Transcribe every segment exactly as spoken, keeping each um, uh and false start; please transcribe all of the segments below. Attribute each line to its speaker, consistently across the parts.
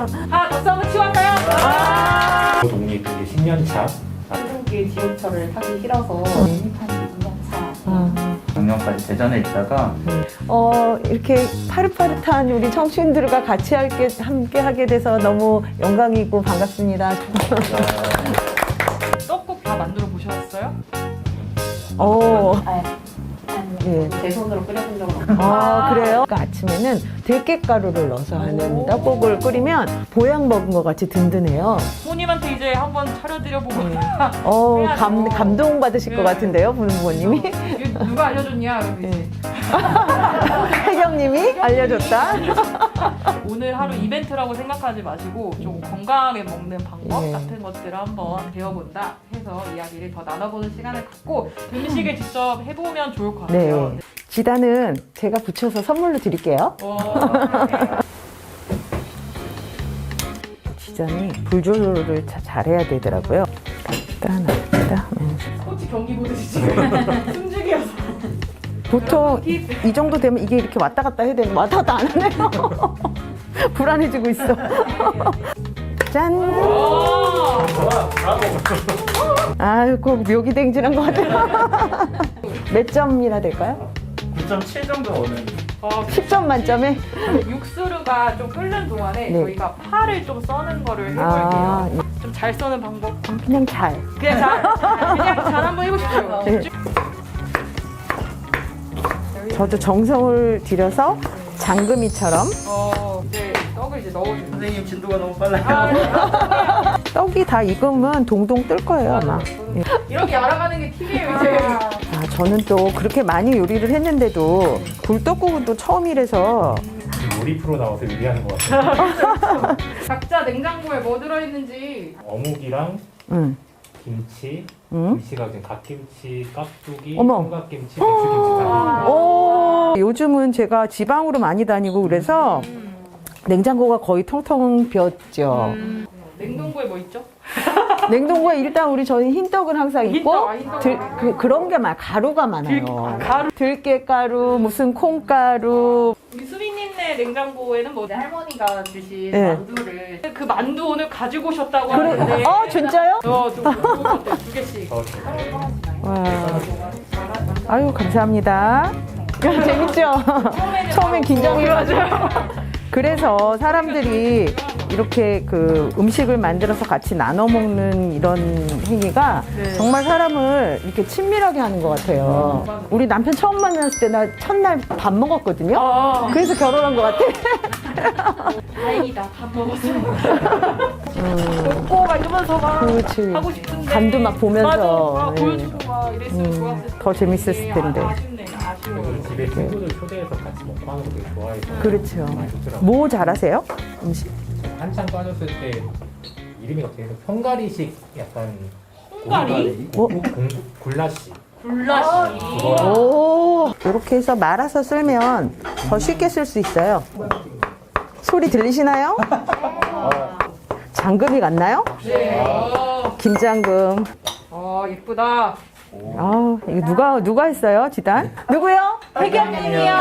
Speaker 1: 아, 박수 한번 치고 할까요? 아!
Speaker 2: 독립 이제 십 년 차.
Speaker 1: 한국의 지옥철을 타기 싫어서 독립한 이 년 차.
Speaker 3: 작년까지 대전에 있다가
Speaker 4: 어, 이렇게 파릇파릇한 우리 청춘들과 같이 할게, 함께 하게 돼서 너무 영광이고 반갑습니다.
Speaker 1: 떡국 다 만들어 보셨어요?
Speaker 4: 어,
Speaker 1: 아,
Speaker 4: 예.
Speaker 1: 제 손으로 끓여본 적은 없어요.
Speaker 4: 아, 그래요? 그러니까 아침에는 들깨가루를 넣어서 하는 떡국을 끓이면 보약 먹은 것 같이 든든해요.
Speaker 1: 부모님한테 이제 한번 차려드려보고
Speaker 4: 어,
Speaker 1: 해야죠.
Speaker 4: 감, 감동받으실 것
Speaker 1: 네.
Speaker 4: 같은데요, 부는 부모님이.
Speaker 1: 이거 누가 알려줬냐? 이러고 이제
Speaker 4: 혜경님이 알려줬다.
Speaker 1: 오늘 하루 이벤트라고 생각하지 마시고 좀 건강하게 먹는 방법
Speaker 4: 네.
Speaker 1: 같은 것들을 한번 배워본다 해서 이야기를 더 나눠보는 시간을 갖고 음식을 직접 해보면 좋을 것
Speaker 4: 네.
Speaker 1: 같아요.
Speaker 4: 지단은 제가 붙여서 선물로 드릴게요.
Speaker 1: 어,
Speaker 4: 지단이 불 조절을 자- 잘해야 되더라고요. 일단, 일단.
Speaker 1: 코치 경기 보듯이 지금 숨죽이어서
Speaker 4: 보통 이 정도 되면 이게 이렇게 왔다 갔다 해야 되는 왔다 갔다 안 하네요. 불안해지고 있어. 짠!
Speaker 1: 오!
Speaker 4: 아유, 꼭 묘기댕진한 것 같아요. 몇 점이나 될까요?
Speaker 3: 구 점 칠 정도 오는
Speaker 1: 어,
Speaker 4: 십 점 만점에?
Speaker 1: 육수가 좀 끓는 동안에
Speaker 4: 네.
Speaker 1: 저희가 파를 좀 써는 거를 해볼게요.
Speaker 4: 아,
Speaker 1: 좀 잘 써는 방법.
Speaker 4: 그냥 잘.
Speaker 1: 그냥 잘, 그냥 잘 한번 해보십시오.
Speaker 4: 네. 저도 정성을 들여서 장금이처럼
Speaker 1: 어, 이제 떡을 이제 넣어주세요.
Speaker 3: 선생님 진도가 너무 빨라요.
Speaker 1: 아,
Speaker 4: 떡이 다 익으면 동동 뜰 거예요, 아마. 예.
Speaker 1: 이렇게 알아가는 게 팁이에요, 이제.
Speaker 4: 아, 저는 또 그렇게 많이 요리를 했는데도 굴떡국은 또 처음이라서
Speaker 2: 요리 프로 나와서 요리하는 것 같아요.
Speaker 1: 각자 냉장고에 뭐 들어있는지.
Speaker 2: 어묵이랑
Speaker 4: 응.
Speaker 2: 김치,
Speaker 4: 응?
Speaker 2: 김치가 지금 갓김치, 깍두기,
Speaker 4: 어머.
Speaker 2: 총각김치, 배추김치 다
Speaker 4: 오, 요즘은 제가 지방으로 많이 다니고 그래서 냉장고가 거의 텅텅 비었죠.
Speaker 1: 음, 냉동고에 뭐 있죠?
Speaker 4: 냉동고에 일단 우리 저희 흰떡은 항상 있고
Speaker 1: 흰떡, 아, 흰떡.
Speaker 4: 들, 그, 그런 게 많아. 가루가 많아요.
Speaker 1: 들- 가루.
Speaker 4: 들깨가루, 무슨 콩가루.
Speaker 1: 우리 수빈님네 냉장고에는 뭐 할머니가 주신
Speaker 4: 네.
Speaker 1: 만두를 그 만두 오늘 가지고 오셨다고
Speaker 4: 그래,
Speaker 1: 하는데.
Speaker 4: 어, 진짜요?
Speaker 1: 어, 두, 두, 두, 두 개씩.
Speaker 2: 더
Speaker 4: 와. 아유, 감사합니다. 재밌죠? 처음엔 긴장이 맞아요. 그래서 사람들이 이렇게 그 음식을 만들어서 같이 나눠 먹는 이런 행위가
Speaker 1: 네.
Speaker 4: 정말 사람을 이렇게 친밀하게 하는 것 같아요. 우리 남편 처음 만났을 때 나 첫날 밥 먹었거든요.
Speaker 1: 아,
Speaker 4: 그래서 결혼한 것 같아.
Speaker 1: 다행이다. 밥 먹었어. 먹고 막 이러면서 막
Speaker 4: 그렇지.
Speaker 1: 하고 싶은데.
Speaker 4: 간도 막 보면서.
Speaker 1: 맞아. 막
Speaker 4: 네.
Speaker 1: 보여주고 막 이랬으면
Speaker 4: 음,
Speaker 1: 좋았을 텐데.
Speaker 4: 더 재밌었을 텐데.
Speaker 1: 아, 아쉽네. 아쉬워.
Speaker 2: 저는 집에 친구들 초대해서 같이 먹고 하는 거 되게 좋아해서
Speaker 4: 그렇죠.
Speaker 2: 많이 좋더라고요.
Speaker 4: 뭐 잘하세요? 음식?
Speaker 2: 한창 빠졌을 때 이름이 어떻게 해서 헝가리식 약간
Speaker 1: 헝가리?
Speaker 2: 고- 고- 공- 굴라시
Speaker 1: 굴라시.
Speaker 2: 그거랑
Speaker 4: 오, 이렇게 해서 말아서 쓸면 더 쉽게 쓸 수 있어요. 소리 들리시나요? 장금이 같나요?
Speaker 1: 네. 어,
Speaker 4: 김장금.
Speaker 1: 어, 예쁘다.
Speaker 4: 아, 이거 누가 누가 했어요, 지단? 누구요?
Speaker 1: 혜경님이요.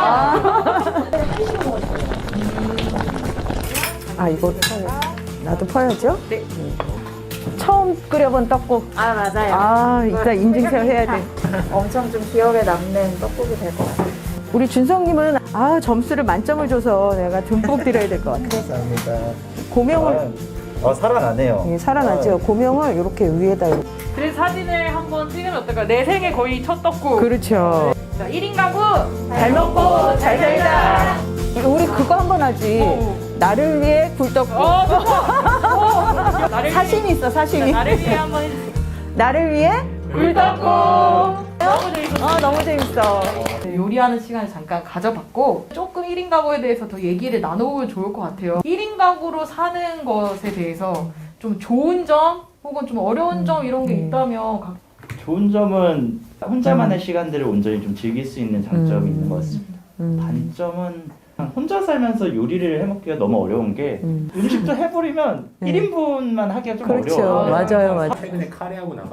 Speaker 4: 아, 이거 퍼요. 나도 퍼야죠?
Speaker 1: 네.
Speaker 4: 처음 끓여본 떡국.
Speaker 5: 아 맞아요.
Speaker 4: 아, 이따 인증샷 해야 돼.
Speaker 5: 엄청 좀 기억에 남는 떡국이 될 것 같아요.
Speaker 4: 우리 준성님은 아 점수를 만점을 줘서 내가 듬뿍 드려야 될 것 같아.
Speaker 3: 감사합니다.
Speaker 4: 고명을
Speaker 3: 어 살아나네요.
Speaker 4: 예, 살아나죠. 고명을 이렇게 위에다. 이렇게.
Speaker 1: 그래서 사진을 한번 찍으면 어떨까요? 내 생애 거의 첫 떡국.
Speaker 4: 그렇죠.
Speaker 1: 자, 일 인 가구.
Speaker 4: 잘 먹고 잘 살자. 이거 우리 그거 한번 하지.
Speaker 1: 어.
Speaker 4: 나를 위해 굴떡국.
Speaker 1: 어, 좋다. 어, 나를
Speaker 4: 사심이 있어, 사심이.
Speaker 1: 위해, 나를 위해 한번 해주세요.
Speaker 4: 나를 위해
Speaker 1: 굴떡국. 너무 재밌었어요.
Speaker 4: 아, 너무 재밌어.
Speaker 1: 요리하는 시간을 잠깐 가져봤고 조금 일 인 가구에 대해서 더 얘기를 나눠보면 좋을 것 같아요. 일 인 가구로 사는 것에 대해서 좀 좋은 점 혹은 좀 어려운 점 이런 게 있다면 각-
Speaker 3: 좋은 점은 혼자만의 시간들을 온전히 좀 즐길 수 있는 장점이
Speaker 4: 음.
Speaker 3: 있는 것 같습니다.
Speaker 4: 음.
Speaker 3: 단점은 혼자 살면서 요리를 해먹기가 너무 어려운 게
Speaker 4: 음.
Speaker 3: 음식도 해버리면
Speaker 4: 네.
Speaker 3: 일 인분만 하기가 좀
Speaker 4: 그렇죠.
Speaker 3: 어려워요.
Speaker 4: 맞아요, 맞아요.
Speaker 2: 최근에 카레하고 나서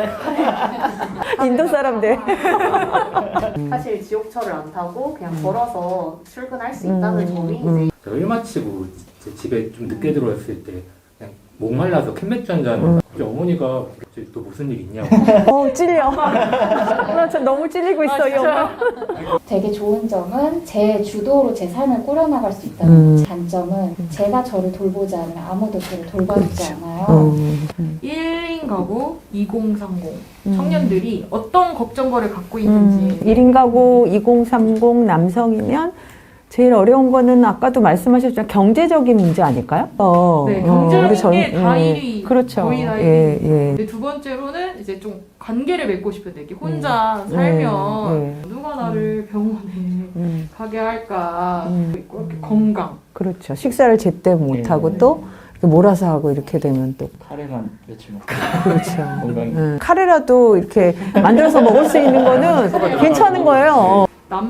Speaker 4: 인도 사람들.
Speaker 6: 사실 지옥철을 안 타고 그냥 걸어서 출근할 수 있다는
Speaker 4: 음,
Speaker 6: 점이
Speaker 4: 음.
Speaker 6: 이제
Speaker 2: 제가 일 마치고 이제 집에 좀 늦게 들어왔을 때 그냥 목말라서 캔맥주 한 잔.
Speaker 4: 음.
Speaker 2: 우리 어머니가 그랬지, 또 무슨 일 있냐고.
Speaker 4: 어, 찔려. 나 참 너무 찔리고 있어, 이 엄마.
Speaker 5: 되게 좋은 점은 제 주도로 제 삶을 꾸려나갈 수 있다는
Speaker 4: 음.
Speaker 5: 단점은 제가 저를 돌보지 않으면 아무도 저를 돌봐주지 않아요.
Speaker 4: 음.
Speaker 1: 일 인 가구 이공삼공
Speaker 4: 음.
Speaker 1: 청년들이 어떤 걱정거리를 갖고
Speaker 4: 음,
Speaker 1: 있는지
Speaker 4: 일 인 가구 이공삼공 남성이면 제일 어려운 거는 아까도 말씀하셨지만 경제적인 문제 아닐까요? 어,
Speaker 1: 네,
Speaker 4: 어,
Speaker 1: 경제적인
Speaker 4: 우리 전-
Speaker 1: 게 다
Speaker 4: 예,
Speaker 1: 일위,
Speaker 4: 그렇죠.
Speaker 1: 거의 다
Speaker 4: 예,
Speaker 1: 일위.
Speaker 4: 예.
Speaker 1: 근데 두 번째로는 이제 좀 관계를 맺고 싶을 때 이렇게 혼자
Speaker 4: 음.
Speaker 1: 살면
Speaker 4: 네,
Speaker 1: 누가 나를 병원에
Speaker 4: 음,
Speaker 1: 가게 할까
Speaker 4: 음.
Speaker 1: 있고 이렇게 건강
Speaker 4: 그렇죠. 식사를 제때 못하고
Speaker 3: 네.
Speaker 4: 또 이렇게 몰아서 하고 이렇게 되면 또
Speaker 3: 카레만 며칠 먹고
Speaker 4: 그렇죠.
Speaker 3: 건강히.
Speaker 4: 음, 카레라도 이렇게 만들어서 먹을 수 있는 거는 괜찮은 거예요.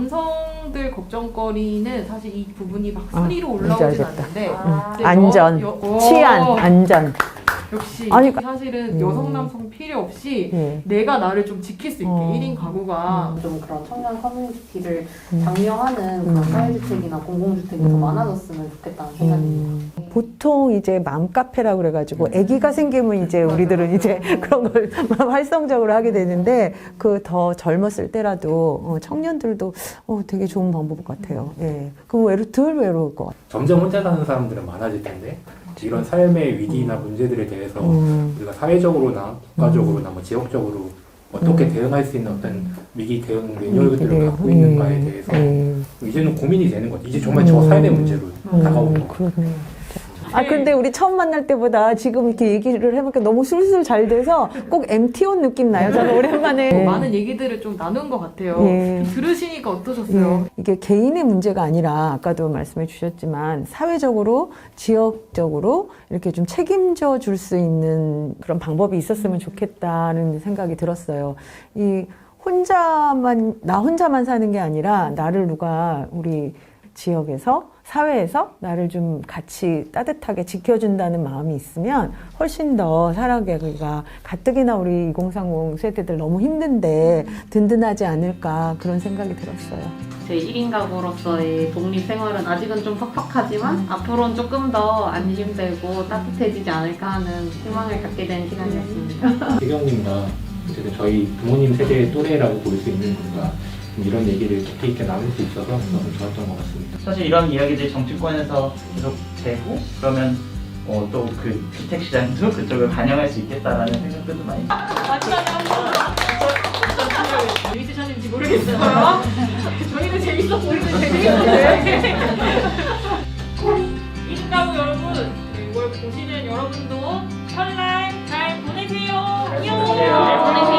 Speaker 1: 남성들 걱정거리는 사실 이 부분이 막
Speaker 4: 아,
Speaker 1: 순위로
Speaker 4: 뭔지
Speaker 1: 올라오진
Speaker 4: 알겠다.
Speaker 1: 않는데
Speaker 5: 아,
Speaker 1: 이제
Speaker 4: 안전,
Speaker 1: 여- 여-
Speaker 4: 치안,
Speaker 1: 어,
Speaker 4: 안전.
Speaker 1: 역시
Speaker 4: 아니,
Speaker 1: 사실은
Speaker 4: 음.
Speaker 1: 여성 남성 필요 없이
Speaker 4: 예.
Speaker 1: 내가 나를 좀 지킬 수 있게
Speaker 4: 어.
Speaker 1: 일 인 가구가
Speaker 6: 좀 그런 청년 커뮤니티를
Speaker 4: 음.
Speaker 6: 장려하는 그런
Speaker 4: 음.
Speaker 6: 사회주택이나 공공주택이 더
Speaker 4: 음.
Speaker 6: 많아졌으면 좋겠다는 생각입니다.
Speaker 4: 음, 보통 이제 맘카페라고 그래가지고 아기가 생기면 이제 우리들은 이제 그런 걸 활성적으로 하게 되는데 그 더 젊었을 때라도 어, 청년들도 어, 되게 좋은 방법 같아요. 예. 그럼 외로 덜 외로울 것 같아요.
Speaker 2: 점점 혼자 사는 사람들은 많아질 텐데 이런 삶의 위기나 문제들에 대해서
Speaker 4: 음.
Speaker 2: 우리가 사회적으로나 국가적으로나 뭐 지역적으로 어떻게
Speaker 4: 음.
Speaker 2: 대응할 수 있는 어떤 위기 대응 매뉴얼들을
Speaker 4: 그래요.
Speaker 2: 갖고
Speaker 4: 예.
Speaker 2: 있는가에 대해서
Speaker 4: 예.
Speaker 2: 이제는 고민이 되는 거죠. 이제 정말 저 삶의 문제로 다가오는
Speaker 4: 음,
Speaker 2: 거.
Speaker 4: 그러네요. 아 근데 우리 처음 만날 때보다 지금 이렇게 얘기를 해보니까 너무 술술 잘 돼서 꼭 엠티 온 느낌 나요. 저는 오랜만에
Speaker 1: 뭐 많은 얘기들을 좀 나눈 것 같아요.
Speaker 4: 예.
Speaker 1: 들으시니까 어떠셨어요?
Speaker 4: 예, 이게 개인의 문제가 아니라 아까도 말씀해 주셨지만 사회적으로 지역적으로 이렇게 좀 책임져 줄 수 있는 그런 방법이 있었으면 좋겠다는 생각이 들었어요. 이 혼자만 나 혼자만 사는 게 아니라 나를 누가 우리 지역에서 사회에서 나를 좀 같이 따뜻하게 지켜준다는 마음이 있으면 훨씬 더 살아가기가 가뜩이나 우리 이공삼공 세대들 너무 힘든데 든든하지 않을까 그런 생각이 들었어요.
Speaker 7: 제 일 인 가구로서의 독립 생활은 아직은 좀 퍽퍽하지만 앞으로는 조금 더 안심되고 따뜻해지지 않을까 하는 희망을 갖게 된 시간이었습니다.
Speaker 2: 배경님과 어쨌든 저희 부모님 세대의 또래라고 볼 수 있는 분과 이런 얘기를 깊이 있게 나눌 수 있어서 너무 좋았던 것 같습니다.
Speaker 3: 사실 이런 이야기들이 정치권에서 계속 되고 그러면 어, 또 그 주택 시장도 그쪽을 반영할 수 있겠다라는 생각들도 많이.
Speaker 1: 마지막에 한번 재밌으셨는지 모르겠어요. 저희는 재밌었고 우리는 재밌었는데. 일 인 가구 여러분, 이걸 보시는 여러분도 설날 잘 보내세요. 안녕.
Speaker 3: 보내세요.